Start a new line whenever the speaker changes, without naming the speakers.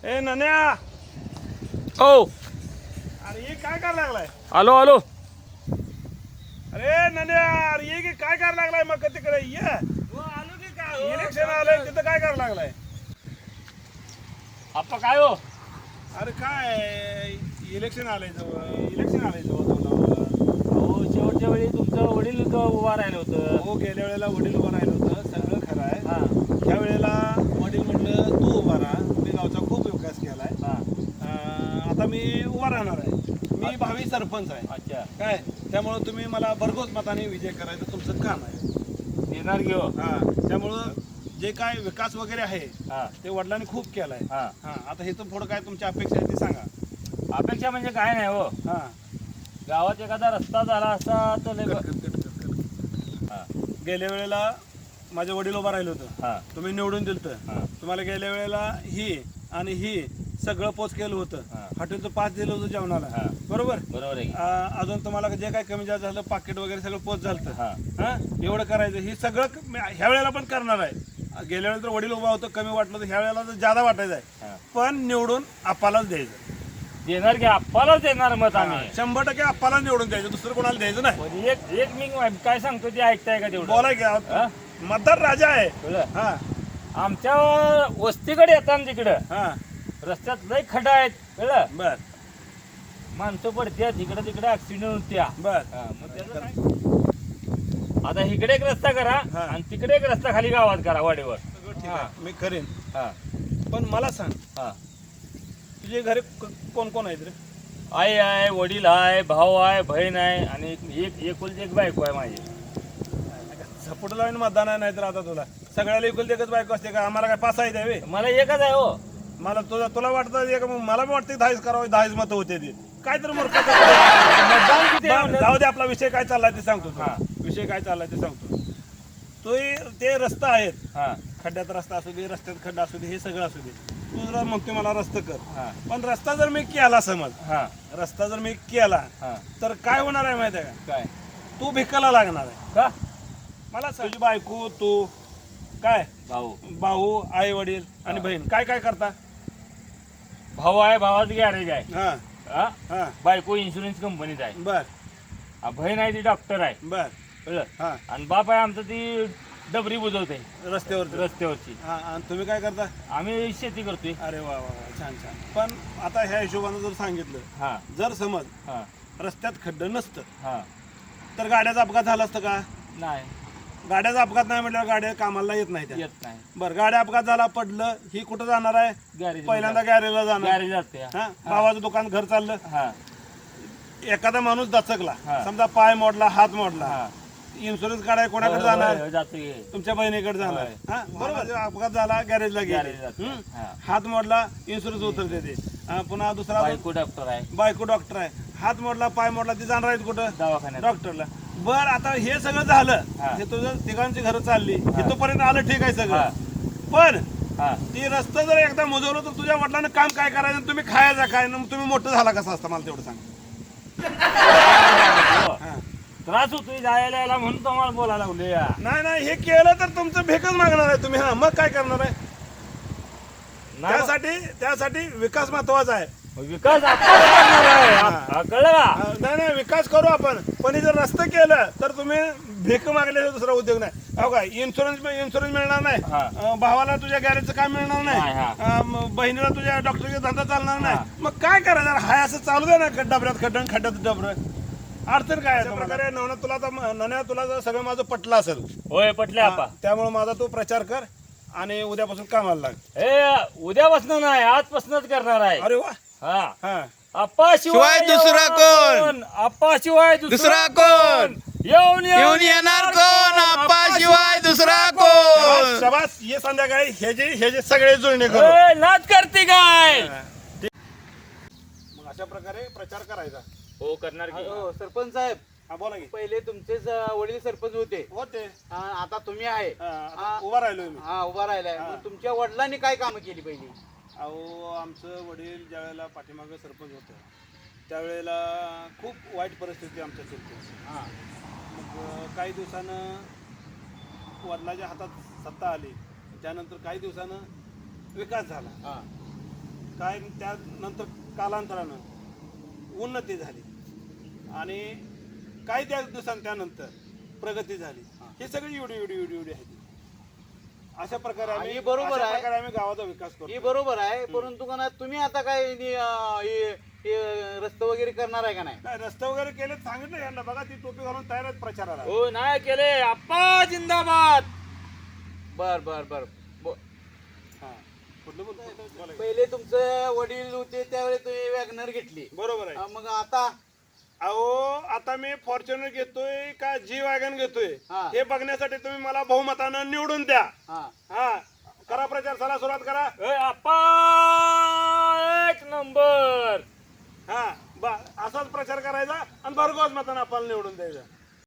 ए नन्या,
ओ
अरे ये काय करायला लागलाय?
आलो आलो.
अरे नन्या, अरे ये की काय करायला लागलाय? मग तिकडे ये.
आलो की काय
इलेक्शन आलंय तिथं काय करायला लागलाय?
आप्पा काय हो?
अरे काय इलेक्शन आलंय जवळ तोंडावर.
अहो शेवटच्या वेळी तुमचं वडील उभा राहिलं होतं.
हो, गेल्या वेळेला वडील उभं राहिलं होतं, सगळं खरं आहे.
हा
त्या वेळेला वडील म्हटलं तू उभा राहा, मी गावचा खूप विकास केलाय.
हा.
आता मी उभा राहणार आहे. मी भावी सरपंच आहे.
अच्छा,
काय त्यामुळं तुम्ही मला भरघोस मताने विजय करायचं तुमचं काम आहे.
येणार घेऊ.
हा, त्यामुळं जे काय विकास वगैरे आहे
हा
ते वडिलांनी खूप केलाय.
हा.
हा, आता हे तर पुढं काय तुमच्या अपेक्षा आहे ते सांगा.
अपेक्षा म्हणजे काय नाही हो.
हा,
गावात एखादा रस्ता झाला असता तर लय हा.
गेल्या वेळेला माझे वडील उभा राहिलं होतं,
हा.
तुम्ही निवडून दिलं.
हा.
तुम्हाला गेल्या वेळेला ही आणि ही सगळं पोच केलं होतं.
हा.
हॉटेलचं पाच दिलं होतं जेवणाला.
हा.
बरोबर.
बरोबर आहे की?
अजून तुम्हाला जे काय कमी जास्त झालं पाकिट वगैरे सगळं पोच झालं.
हा.
हा, एवढं करायचं. हे सगळं ह्या वेळेला पण करणार आहे. गेल्या वेळेला तर वडील उभा होतं, कमी वाटलं तर ह्या वेळेला तर जादा वाटायचं आहे.
हा.
पण निवडून आप्पालाच द्यायचं.
देणार की आप्पालाच देणार मत आम्ही.
100% आप्पाला निवडून द्यायचं, दुसरं कोणाला द्यायचं नाही.
म्हणजे एक मी काय सांगतो ते ऐकताय का तेवढं?
बोला की,
हा?
मतदार राजा आहे.
कळलं?
हा
आमच्या वस्तीकडे येताना तिकडं
हा
रस्त्यात लय खड्डा आहेत. कळलं?
बर
माणसं पडत्या तिकडे तिकडे ऍक्सिडेंट होत्या.
बर.
हा, मग त्याचं काय? आता इकडे एक रस्ता करा
हा.
आणि तिकडे एक रस्ता खाली गावात करा वाडेवर.
सगळं ठीक आहे, मी करेन.
हा
पण मला सांग,
हा.
तुझे घरी कोण कोण आहेत रे?
आई आहे, वडील आहे, भाऊ आहे, बहीण आहे आणि एकुलती एक बायको आहे माझी.
झपोट लावून मतदान आहे, नाही तर आता तुला सगळ्याला इकुल एकच बायको असते का? आम्हाला काय पास आहे द्यावे?
मला एकच आहे हो.
मला तुला वाटतं एक, मला बी वाटतं 10 करावं, 10 मतं होते ती. काय तर मूर्ख.
मतदान किती आहे म्हणलं?
जाऊ दे, आपला विषय काय चाललाय ते सांगतो तुला.
हा.
विषय काय चाललाय ते सांगतो. तो ते रस्ता आहेत,
हा
खड्ड्यात रस्ता असू दे, रस्त्यात खड्डा असू दे, हे सगळं असू दे. तू जरा म्हणतो मला रस्ता कर,
हा
पण रस्ता जर मी केला, समज
हा
रस्ता जर मी केला
हा.
तर काय होणार आहे माहिती आहे का?
काय
तू भिकाला लागणार आहे.
का?
मला सांग, तुझी बायको, तू काय,
भाऊ
भाऊ, आई वडील आणि
हा.
बहीण काय काय करता?
भाऊ आहे, भावाचं गॅरेज आहे.
हा
हा?
हा
बायको इन्शुरन्स कंपनीत आहे.
बर
बहीण आहे ती डॉक्टर आहे.
बर.
कळलं?
हा,
आणि बाप आहे आमचं ती डबरी बुजवते
रस्त्यावर.
रस्त्यावरची.
हा, आणि तुम्ही काय करता?
आम्ही शेती करतोय.
अरे वा वा वा, छान छान. पण आता ह्या हिशोबानं जर सांगितलं,
हा
जर समज
हा
रस्त्यात खड्डं नसतं
हा.
तर गाड्याचा अपघात झाला असतं का?
नाही,
गाड्याचा अपघात नाही म्हटल्यावर गाड्या कामाला येत नाही त्या.
येत नाही.
बरं, गाड्या अपघात झाला, पडलं, ही कुठं जाणार आहे?
गॅरेज
पहिल्यांदा गॅरेजला जाणार.
गॅरेज जाते.
हा, भावाचं दुकान, घर चाललं,
हा
एखादा माणूस दचकला,
हा.
समजा पाय मोडला, हात मोडला,
हा.
इन्शुरन्स काढाय कोणाकडे
होय,
जाणार?
होय, जाते.
तुमच्या बहिणीकडे जाणार.
होय.
हा, बरोबर. अपघात झाला, गॅरेजला
गॅरेज
गेले,
जाते. हा.
हात मोडला, इन्शुरन्स उतरते ते. पुन्हा दुसरा
बायको डॉक्टर आहे.
बायको डॉक्टर आहे, हात मोडला, पाय मोडला, ती जाणार आहेत कुठं?
दवाखान्यात.
डॉक्टरला. बर, आता हे सगळं झालं,
हा.
हे तुझं तिघांची घरं चालली,
हा.
इथपर्यंत आलं, ठीक आहे
हा.
सगळं. पण
हा
ती रस्ता जर एकदा मुजवलं तर तुझ्या वडिलांना काम काय करायचं? तुम्ही खायचा काय? मग तुम्ही मोठं झाला कसं असतं, मला तेवढं सांग.
हो.
हा.
त्रास होतोय जायला यायला म्हणून तुम्हाला बोलायला लागले या.
नाही नाही, हे केलं तर तुमचं भेकच मागणार आहे तुम्ही. हा, मग काय करणार आहे?
नाही
त्यासाठी विकास महत्वाचा आहे.
विकास आपण करणार आहे. हा, कळलं का?
नाही नाही, विकास करू आपण, पण हे जर रस्ते केलं तर तुम्ही भेक मागल्याचा दुसरा उद्योग नाही. हो काय, इन्शुरन्स मिळणार
हा.
नाही, भावाला तुझ्या गॅरेजचं काम मिळणार
नाही,
नाही, बहिणीला तुझ्या डॉक्टरचा धंदा चालणार
हा.
नाही. मग काय करायचं? हाय असं चालू दे ना, डबऱ्यात खड्डन, खड्ड्यात डबर. अडचण काय आहे? प्रकारे नवना तुला नन्या, तुला जर सगळं माझं पटलं असेल,
होय पटले आपा.
त्यामुळे माझा तू प्रचार कर आणि उद्यापासून कामाला लाग.
हे उद्यापासून नाही आजपासूनच करणार आहे.
अरे वा.
हा
हा,
आप्पा
शिवाय दुसरा कोण?
आप्पा शिवाय
दुसरा कोण?
येऊन
येऊन येणार कोण? आप्पा शिवाय दुसरा कोण?
शबास. ये संध्याकाळी हे जे सगळे जुळणे करू.
ए, नाच करते काय?
मग अशा प्रकारे प्रचार करायचा.
हो करणार की.
हो, सरपंच साहेब,
हा, बोला की.
पहिले तुमचेच वडील सरपंच होते.
होते.
आता तुम्ही आहे.
आता उभा राहिलोय मी.
हा, उभा राहिलाय. मग तुमच्या वडिलांनी काय कामं केली पहिली?
अहो, आमचं वडील ज्या वेळेला पाठीमागं सरपंच होतं त्यावेळेला खूप वाईट परिस्थिती आमच्या शेतकऱ्याची.
हा
मग काही दिवसानं वडिलांच्या हातात सत्ता आली, त्यानंतर काही दिवसानं विकास झाला.
हा
काय त्यानंतर कालांतरानं उन्नती झाली आणि काही त्या दिवसांनी त्यानंतर प्रगती झाली. हे सगळी एवढी आहे. अशा प्रकारे
हा,
आम्ही
हे बरोबर
अशा
आहे.
प्रकारे आम्ही गावाचा विकास
ही
करतो.
बरोबर आहे, परंतु का ना तुम्ही आता काय रस्ते वगैरे करणार आहे का नाही?
नाही, रस्ते वगैरे केले सांगितलं यांना. बघा ती टोपी घालून तयार आहेत प्रचाराला.
हो नाही केले आप्पा जिंदाबाद.
बर बर बर
हा. कुठलं बोला.
पहिले तुमचं वडील होते त्यावेळी तुम्ही वॅगनर घेतली.
बरोबर आहे.
मग आता
अहो आता मी फॉर्च्युनर घेतोय का जी वॅगन घेतोय
हा.
हे बघण्यासाठी तुम्ही मला बहुमतानं निवडून द्या.
हा
हा करा प्रचार, चला सुरुवात करा.
ए, आप्पा एक नंबर.
हा असाच प्रचार करायचा आणि भरघोस मतानं आपल्याला निवडून द्यायचा.